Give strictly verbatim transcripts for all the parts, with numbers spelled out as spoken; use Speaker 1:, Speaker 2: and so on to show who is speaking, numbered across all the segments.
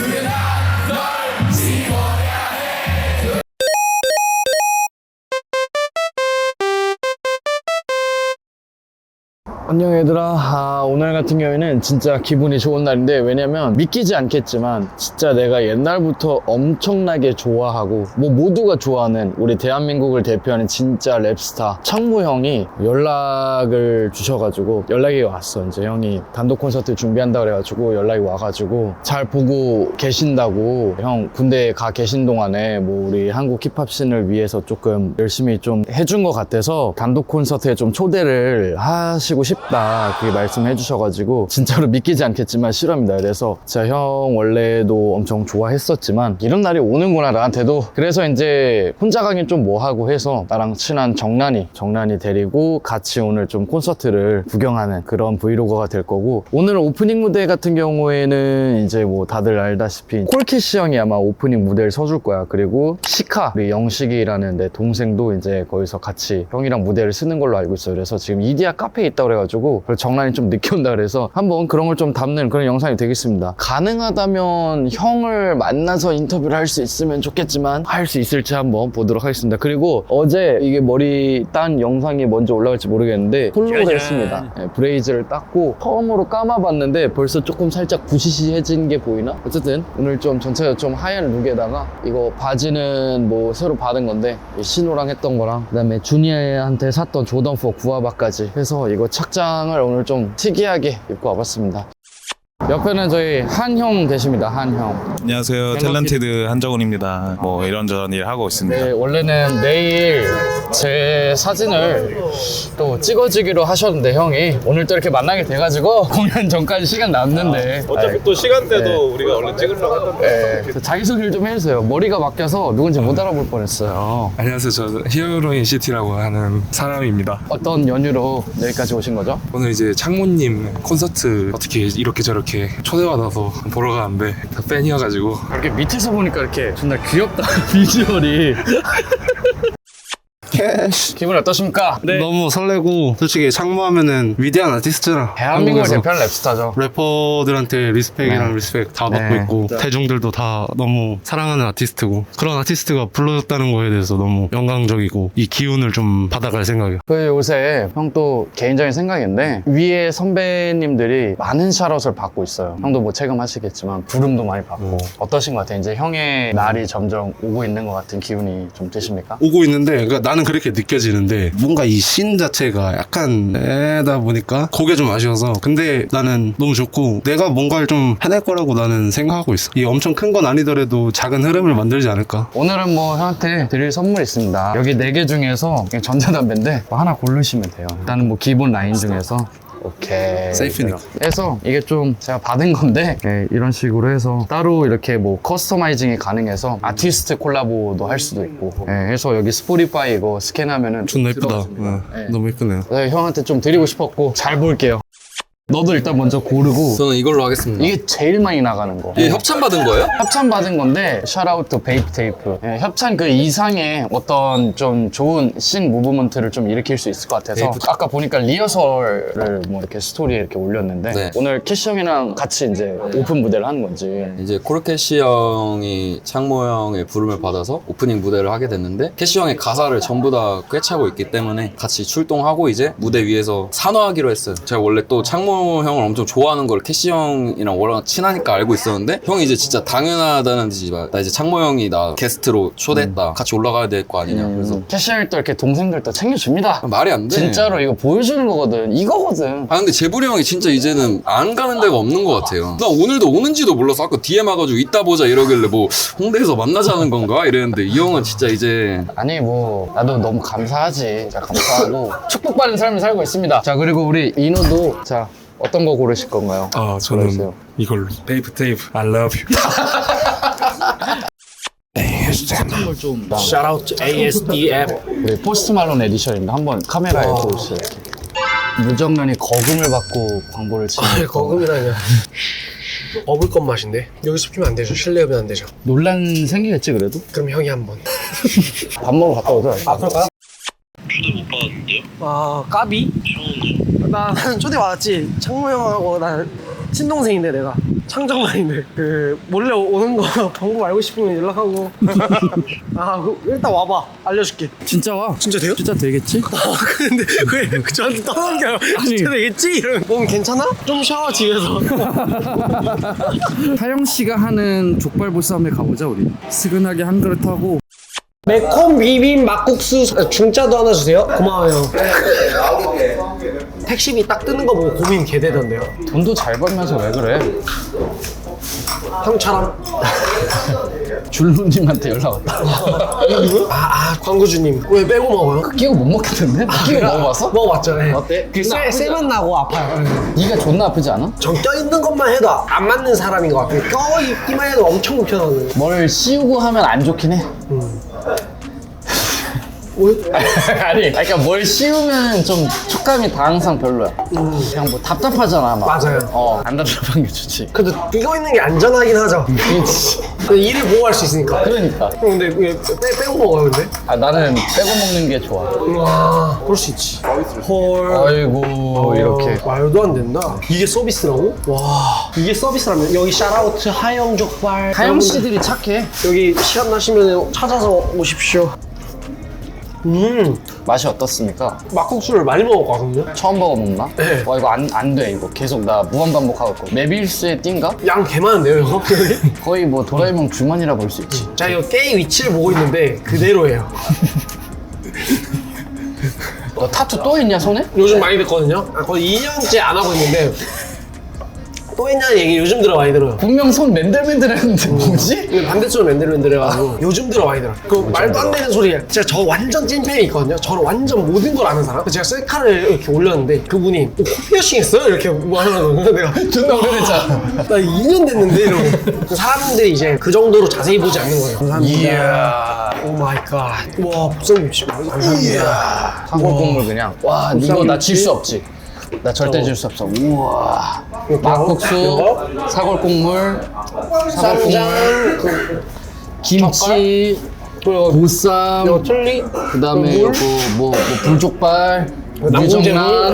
Speaker 1: 안녕 얘들아. 아, 오늘 같은 경우에는 진짜 기분이 좋은 날인데, 왜냐면 믿기지 않겠지만 진짜 내가 옛날부터 엄청나게 좋아하고 뭐 모두가 좋아하는 우리 대한민국을 대표하는 진짜 랩스타 창모 형이 연락을 주셔가지고 연락이 왔어. 이제 형이 단독 콘서트 준비한다 그래가지고 연락이 와가지고 잘 보고 계신다고, 형 군대에 가 계신 동안에 뭐 우리 한국 힙합 씬을 위해서 조금 열심히 좀 해준 것 같아서 단독 콘서트에 좀 초대를 하시고 싶다, 그렇게 말씀해 주셔가지고 진짜로 믿기지 않겠지만 실화입니다. 그래서 진짜 형 원래도 엄청 좋아했었지만 이런 날이 오는구나 나한테도. 그래서 이제 혼자 가긴 좀 뭐하고 해서 나랑 친한 정란이 정란이 데리고 같이 오늘 좀 콘서트를 구경하는 그런 브이로그가 될 거고, 오늘 오프닝 무대 같은 경우에는 이제 뭐 다들 알다시피 콜키시 형이 아마 오프닝 무대를 서줄 거야. 그리고 시카, 우리 영식이라는 내 동생도 이제 거기서 같이 형이랑 무대를 쓰는 걸로 알고 있어요. 그래서 지금 이디야 카페에 있다고 그래가지고 정란이 좀 늦게 온다 그래서 한번 그런 걸 좀 담는 그런 영상이 되겠습니다. 가능하다면 형을 만나서 인터뷰를 할 수 있으면 좋겠지만 할 수 있을지 한번 보도록 하겠습니다. 그리고 어제 이게 머리 딴 영상이 먼저 올라갈지 모르겠는데 홀로를 했습니다. 네, 브레이즈를 땄고 처음으로 감아봤는데 벌써 조금 살짝 부시시해진 게 보이나? 어쨌든 오늘 좀 전체적으로 좀 하얀 룩에다가 이거 바지는 뭐 새로 받은 건데 신호랑 했던 거랑 그 다음에 주니어한테 샀던 조던 사 구아바까지 해서 이거 착장을 오늘 좀 특이하게 입고 와봤습니다. 옆에는 저희 한형 계십니다. 한형.
Speaker 2: 안녕하세요. 탤런티드 한정훈입니다. 뭐 이런저런 일 하고 있습니다.
Speaker 1: 네, 원래는 내일 제 사진을 또 찍어주기로 하셨는데 형이 오늘 또 이렇게 만나게 돼가지고 공연 전까지 시간 남는데
Speaker 3: 아, 어차피 또 시간대도 네. 우리가 얼른 찍으려고 했던데.
Speaker 1: 네, 자기소개를 좀 해주세요. 머리가 바뀌어서 누군지 못 알아볼 뻔했어요.
Speaker 4: 안녕하세요. 저 히어로인 시티라고 하는 사람입니다.
Speaker 1: 어떤 연유로 여기까지 오신 거죠?
Speaker 4: 오늘 이제 창모님 콘서트 어떻게 이렇게 저렇게 초대받아서 보러 가는데 다 팬이어가지고.
Speaker 1: 이렇게 밑에서 보니까 이렇게 존나 귀엽다 비주얼이.
Speaker 5: 캐시.
Speaker 1: 기분 어떠십니까?
Speaker 5: 네. 너무 설레고, 솔직히 창모하면은 위대한 아티스트라
Speaker 1: 대한민국을
Speaker 5: 한국에서
Speaker 1: 대표하는 랩스타죠.
Speaker 5: 래퍼들한테 리스펙이랑
Speaker 1: 네.
Speaker 5: 리스펙 다
Speaker 1: 네.
Speaker 5: 받고 있고, 대중들도 다 너무 사랑하는 아티스트고, 그런 아티스트가 불러줬다는 거에 대해서 너무 영광적이고 이 기운을 좀 받아갈 생각이에요.
Speaker 1: 그 요새 형 또 개인적인 생각인데 위에 선배님들이 많은 샤롯을 받고 있어요. 형도 뭐 체감하시겠지만 부름도 많이 받고
Speaker 5: 음.
Speaker 1: 어떠신 것 같아요? 이제 형의 날이 점점 오고 있는 것 같은 기운이 좀 드십니까?
Speaker 5: 오고 있는데, 그러니까 나는 그렇게 느껴지는데 뭔가 이 씬 자체가 약간 애다 보니까 그게 좀 아쉬워서. 근데 나는 너무 좋고 내가 뭔가를 좀 해낼 거라고 나는 생각하고 있어. 이 엄청 큰 건 아니더라도 작은 흐름을 만들지 않을까.
Speaker 1: 오늘은 뭐 형한테 드릴 선물이 있습니다. 여기 네 개 중에서 그냥 전자담배인데 뭐 하나 고르시면 돼요. 일단은 뭐 기본 라인 중에서 오케이.
Speaker 5: 세이프니까.
Speaker 1: 해서 이게 좀 제가 받은 건데 네, 이런 식으로 해서 따로 이렇게 뭐 커스터마이징이 가능해서 아티스트 콜라보도 할 수도 있고. 네, 해서 여기 스포티파이 이거 스캔하면은
Speaker 5: 존나 예쁘다.
Speaker 1: 들어가집니다.
Speaker 5: 네.
Speaker 1: 네.
Speaker 5: 너무 예쁘네요.
Speaker 1: 네, 형한테 좀 드리고 싶었고 잘 볼게요. 너도 일단 먼저 고르고.
Speaker 6: 저는 이걸로 하겠습니다.
Speaker 1: 이게 제일 많이 나가는 거.
Speaker 6: 이게 협찬 받은 거예요?
Speaker 1: 협찬 받은 건데 샤라우트 베이프 테이프. 예, 협찬 그 이상의 어떤 좀 좋은 씬 무브먼트를 좀 일으킬 수 있을 것 같아서
Speaker 6: 베이프.
Speaker 1: 아까 보니까 리허설을 뭐 이렇게 스토리에 이렇게 올렸는데
Speaker 6: 네.
Speaker 1: 오늘 캐시 형이랑 같이 이제 오픈 무대를 하는 건지.
Speaker 6: 이제 코르캐시 형이 창모 형의 부름을 받아서 오프닝 무대를 하게 됐는데, 캐시 형의 가사를 전부 다 꿰차고 있기 때문에 같이 출동하고 이제 무대 위에서 산화하기로 했어요. 제가 원래 또 창모 형을 엄청 좋아하는 걸 캐시 형이랑 워낙 친하니까 알고 있었는데, 형이 이제 진짜 당연하다는 듯이 막, 나 이제 창모 형이 나 게스트로 초대했다. 같이 올라가야 될 거 아니냐. 그래서
Speaker 1: 음, 캐시 형이 또 이렇게 동생들 또 챙겨줍니다.
Speaker 6: 말이 안 돼.
Speaker 1: 진짜로 이거 보여주는 거거든. 이거거든.
Speaker 6: 아 근데 재불이 형이 진짜 이제는 안 가는 데가 없는 것 같아요. 나 오늘도 오는지도 몰라서 아까 디엠 와가지고 이따 보자 이러길래 뭐 홍대에서 만나자는 건가 이랬는데, 이 형은 진짜 이제.
Speaker 1: 아니 뭐 나도 너무 감사하지. 진짜 감사하고 축복받는 삶을 살고 있습니다. 자, 그리고 우리 인호도 자 어떤 거 고르실 건가요?
Speaker 4: 아 저는
Speaker 1: 고르세요.
Speaker 4: 이걸로 베이프 테이프 I love you.
Speaker 1: 선물 좀
Speaker 3: Shout out to 에이에스디엠.
Speaker 1: 네, 포스트 말론 에디션입니다. 한번 카메라에 보여주세요. 무정란이 거금을 받고 광고를 치는
Speaker 3: 아, 거금이라뇨. 업을 것 맛인데 여기서 피면 안 되죠. 실내업은 안 되죠.
Speaker 1: 논란 생기겠지 그래도?
Speaker 3: 그럼 형이 한번.
Speaker 1: 밥 먹으러 갔다 오자.
Speaker 3: 아 그럴까요? 초대 못 받았는데요? 아 까비? 나 나는 초대 받았지. 창모 형하고 난 친동생인데 내가 창정만인데 그 몰래 오는 거 방법 알고 싶으면 연락하고 아 그, 일단 와봐 알려줄게.
Speaker 1: 진짜 와.
Speaker 3: 진짜 돼요?
Speaker 1: 진짜 되겠지?
Speaker 3: 아 근데 왜 저한테 떠는 게 아니라 진짜 되겠지? 이러면 몸 괜찮아? 좀 쉬어 집에서.
Speaker 7: 타영 씨가 하는 족발보쌈에 가보자 우리. 스근하게 한 그릇 하고.
Speaker 3: 매콤 비빔 막국수 중짜도 하나 주세요. 고마워요. 택시비 딱 뜨는 거 보고 고민 개되던데요.
Speaker 1: 돈도 잘 벌면서 왜 그래?
Speaker 3: 형처럼.
Speaker 1: 줄루님한테 연락 왔다.
Speaker 3: 아, 아 광고주님 왜 빼고 먹어요?
Speaker 1: 끼고 못 먹겠던데? 끼고 먹어봤어?
Speaker 3: 먹어봤죠. 네.
Speaker 1: 어때?
Speaker 3: 그 쎄, 쎄만 나고 아파요. 네.
Speaker 1: 네가 존나 아프지 않아?
Speaker 3: 전 껴있는 것만 해도 안 맞는 사람인 것 같아요. 껴있기만 해도 엄청 불편하거든요.
Speaker 1: 뭘 씌우고 하면 안 좋긴 해. 아니, 그러니까 뭘 씌우면 좀 촉감이 다 항상 별로야.
Speaker 3: 음.
Speaker 1: 그냥 뭐 답답하잖아, 막.
Speaker 3: 맞아요.
Speaker 1: 어, 안 답답한 게 좋지.
Speaker 3: 그래도 끼고 있는 게 안전하긴 하죠. 그 일을 보호할 수 있으니까.
Speaker 1: 그러니까.
Speaker 3: 형, 근데 왜 빼, 빼고 먹어요 근데?
Speaker 1: 아, 나는 빼고 먹는 게 좋아.
Speaker 3: 와 그럴 수 있지. 헐.
Speaker 1: 아이고, 이렇게.
Speaker 3: 말도 안 된다. 이게 서비스라고? 와 이게 서비스라면 여기 샤라우트 하영 족발.
Speaker 1: 하영 씨들이 착해.
Speaker 3: 여기 시간 나시면 찾아서 오십시오. 음
Speaker 1: 맛이 어떻습니까?
Speaker 3: 막국수를 많이 먹었거든요.
Speaker 1: 처음 먹어 먹나?
Speaker 3: 네.
Speaker 1: 와, 이거 안, 안 돼, 이거. 계속 나 무한 반복하고 있고. 메빌스의 띵가?
Speaker 3: 양 개 많은데요 이거?
Speaker 1: 거의 뭐 도라에몽 주머니라 볼 수 있지.
Speaker 3: 자 이거 게임 위치를 보고 있는데 그대로예요.
Speaker 1: 너 타투 또 있냐, 손에?
Speaker 3: 요즘 많이 듣거든요. 아, 거의 이 년째 안 하고 있는데 또 했냐는 얘기 요즘 들어 많이 들어요.
Speaker 1: 분명 손 맨들맨들했는데 뭐지?
Speaker 3: 근데 반대쪽으로 맨들맨들해가지고 요즘 들어 많이 들어. 그 말도 안 되는 소리야. 제가 저 완전 찐팬이 있거든요. 저를 완전 모든 걸 아는 사람. 제가 셀카를 이렇게 올렸는데 그분이 어, 코 피어싱 했어요? 이렇게 뭐 하는 거예요. 내가
Speaker 1: 존나 오래됐잖아.
Speaker 3: 나 이 년 됐는데 이러고 사람들이 이제 그 정도로 자세히 보지 않는 거예요. 감사합니다.
Speaker 1: 이야.
Speaker 3: 오 마이 갓. 와 복성김치 감사합니다.
Speaker 1: 사골국물 그냥. 와, 이거 나 질 수 없지. 나 절대 질 수 없어. 우와. 막국수,
Speaker 3: 이거?
Speaker 1: 사골국물, 사골국물,
Speaker 3: 쌈장, 그
Speaker 1: 김치,
Speaker 3: 그리고
Speaker 1: 보쌈,
Speaker 3: 이거 틀리,
Speaker 1: 그다음에
Speaker 3: 물?
Speaker 1: 이거 뭐, 뭐 불족발,
Speaker 3: 남궁제물.
Speaker 1: 무정란.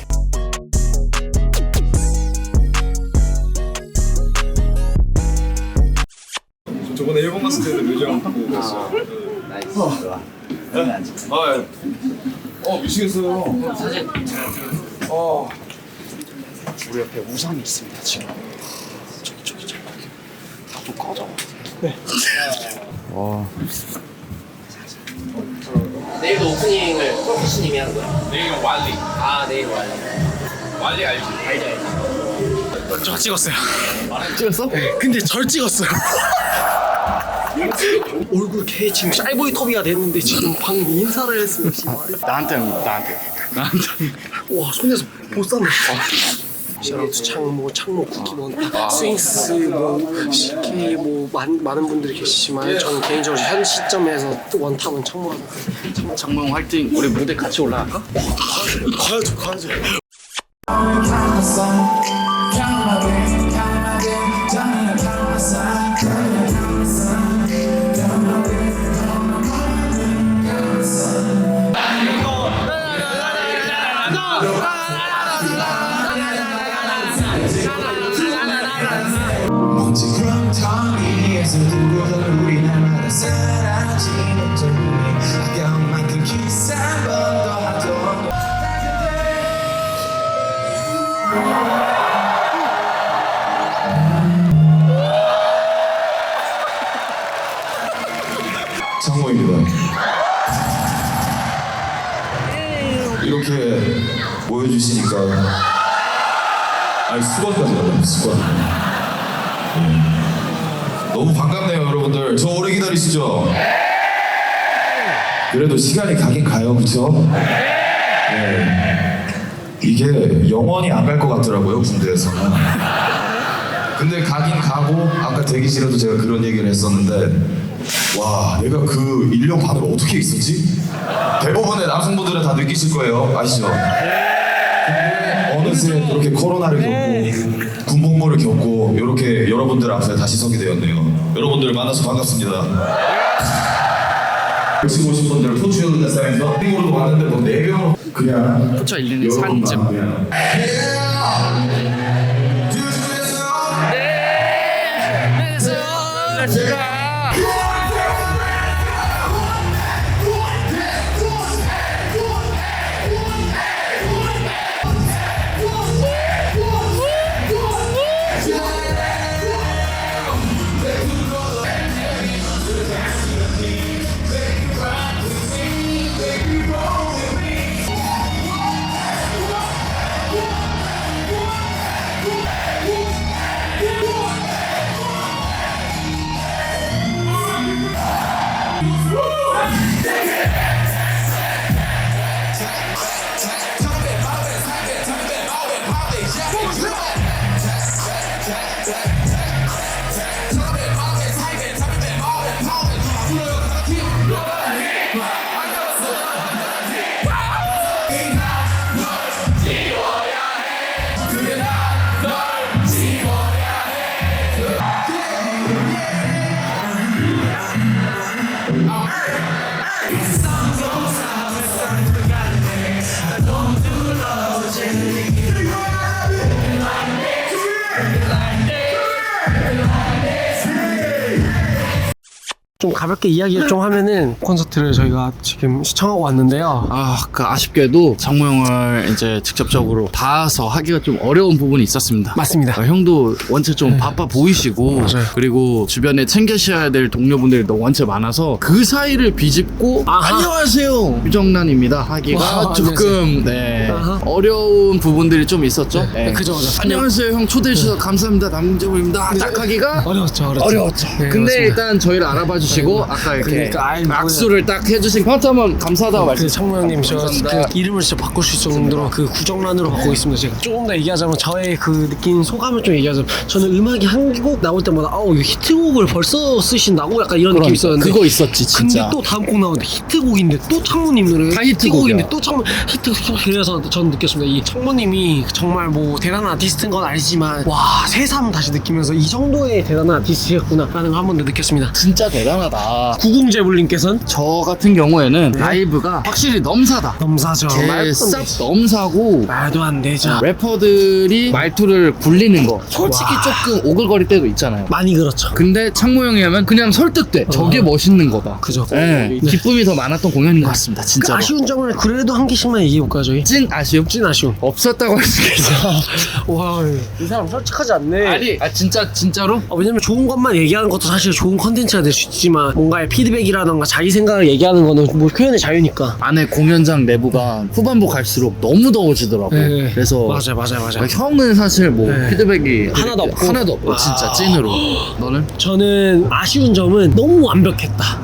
Speaker 2: 저번에 일본 갔을 때도 뮤지엄 보고 갔어요. 나이스. 좋아. 아, 예. 어, 미치겠어요. 사진. 어.
Speaker 1: 우리 옆에 우산이 있습니다, 지금. 저기, 저기, 저기. 다좀 꺼져.
Speaker 3: 네.
Speaker 1: 와.
Speaker 3: 내일도 오프닝을 프로피스님이 하는 거야?
Speaker 2: 내일 왈리.
Speaker 3: 아 내일 와요.
Speaker 2: 왈리 알지?
Speaker 3: 알지 알지. 저 찍었어요.
Speaker 1: 찍었어?
Speaker 3: 네, 근데 절 찍었어요. 얼굴 개 지금 샤이보이 터비가 됐는데 지금 방금 인사를 했으면 지금 말이.
Speaker 1: 나한테, 나한테. 나한테.
Speaker 3: 와 손에서 보쌈을. 샤라우트 창모, 창모 쿠키먼, 스윙스, 뭐 씨케이 뭐 많, 많은 분들이 계시지만 저는 개인적으로 현 시점에서 원탑은 창모가.
Speaker 1: 장모, 장모형 화이팅. 우리 무대 같이 올라갈까?
Speaker 3: 가야죠 가야죠.
Speaker 8: 먼지 구렁텅이 위에서 두고던 우리 날마다 사라지는 정이 아까운 만큼 키스 한 번 더 하던
Speaker 9: 창모입니다. 이렇게 모여주시니까 아니 수건까지 나가요. 수건. 네. 너무 반갑네요 여러분들. 저 오래 기다리시죠? 그래도 시간이 가긴 가요. 그쵸? 네. 이게 영원히 안 갈 것 같더라고요 군대에서는. 근데 가긴 가고 아까 대기실에도 제가 그런 얘기를 했었는데 와 내가 그 일 년 반을 어떻게 있었지? 대부분의 남성분들은 다 느끼실 거예요. 아시죠? 근데 어느새 그렇게 코로나를 겪고 군복무를 겪고 이렇게 여러분들 앞에 다시 서게 되었네요. 여러분들 만나서 반갑습니다. 지금 오신 분들 포춘 레스토랑에서 빙으로도 왔는데 뭐 네 명 그냥
Speaker 1: 포차 일리는 산쯤.
Speaker 9: 그냥
Speaker 3: 좀 가볍게 이야기를 좀 하면은 콘서트를 저희가 지금 시청하고 왔는데요.
Speaker 1: 아, 그 아쉽게도 장모 형을 이제 직접적으로 봐서 하기가 좀 어려운 부분이 있었습니다.
Speaker 3: 맞습니다.
Speaker 1: 아, 형도 원체 좀 바빠 보이시고
Speaker 3: 맞아요.
Speaker 1: 그리고 주변에 챙겨셔야 될 동료분들이 너무 원체 많아서 그 사이를 비집고
Speaker 3: 아하.
Speaker 1: 안녕하세요 유정란입니다 하기가
Speaker 3: 와,
Speaker 1: 조금 네,
Speaker 3: 아하.
Speaker 1: 어려운 부분들이 좀 있었죠. 네.
Speaker 3: 그죠, 그죠.
Speaker 1: 안녕하세요 형 초대해 주셔서 감사합니다 남정우입니다 딱 하기가
Speaker 3: 어려웠죠, 어려웠죠.
Speaker 1: 어려웠죠.
Speaker 3: 네,
Speaker 1: 근데
Speaker 3: 맞습니다.
Speaker 1: 일단 저희를 알아봐 주시고 아까 이렇게
Speaker 3: 그러니까, 아이, 뭐야.
Speaker 1: 악수를 딱 해주신 형한테 한번 감사하다고 말씀.
Speaker 3: 그 창모 형님 저
Speaker 1: 감사합니다.
Speaker 3: 그 이름을 진짜 바꿀 수 있을 정도로 그 구정란으로 바꾸고 있습니다. 제가 조금 더 얘기하자면 저의 그 느낀 소감을 좀 얘기하자면 저는 음악이 한 곡 나올 때마다 아우 이거 히트곡을 벌써 쓰신다고 약간 이런 느낌이 있었는데
Speaker 1: 그거 있었지 진짜.
Speaker 3: 근데 또 다음 곡 나오는데 히트곡인데 또 창모님 노래
Speaker 1: 다 히트곡이야.
Speaker 3: 또 창모 히트 그래서 전 느꼈습니다. 이 창모님이 정말 뭐 대단한 아티스트인 건 아니지만 와 새삼 다시 느끼면서 이 정도의 대단한 아티스트였구나 라는 걸 한 번 더 느꼈습니다.
Speaker 1: 진짜 대단하다.
Speaker 3: 구공제불님께서는
Speaker 1: 저 같은 경우에는 라이브가 확실히 넘사다.
Speaker 3: 넘사죠. 말도 안
Speaker 1: 개쌉
Speaker 3: 되지.
Speaker 1: 넘사고
Speaker 3: 말도 안 되죠.
Speaker 1: 래퍼들이 말투를 굴리는 거 솔직히
Speaker 3: 와.
Speaker 1: 조금 오글거릴 때도 있잖아요.
Speaker 3: 많이 그렇죠.
Speaker 1: 근데 창모 형이 하면 그냥 설득돼. 저게 멋있는 거다.
Speaker 3: 그죠.
Speaker 1: 네. 기쁨이 더 많았던 공연인 것 같습니다.
Speaker 3: 그
Speaker 1: 진짜로.
Speaker 3: 아쉬운 점을 그래도 한 개씩만 얘기해볼까요 저희?
Speaker 1: 찐 아쉬움?
Speaker 3: 찐 아쉬움.
Speaker 1: 없었다고 할 수 있어.
Speaker 3: 와, 이 사람 솔직하지 않네.
Speaker 1: 아니, 아 진짜 진짜로?
Speaker 3: 어, 왜냐면 좋은 것만 얘기하는 것도 사실 좋은 컨텐츠가 될 수 있지만 뭔가의 피드백이라던가 자기 생각을 얘기하는 거는 뭐 표현의 자유니까.
Speaker 1: 안에 공연장 내부가 후반부 갈수록 너무 더워지더라고.
Speaker 3: 네.
Speaker 1: 그래서
Speaker 3: 맞아요, 맞아요, 맞아요.
Speaker 1: 형은 사실 뭐
Speaker 3: 네.
Speaker 1: 피드백이
Speaker 3: 하나도 없고.
Speaker 1: 하나도 없고 진짜
Speaker 3: 아.
Speaker 1: 찐으로. 너는?
Speaker 3: 저는 아쉬운 점은 너무 완벽했다.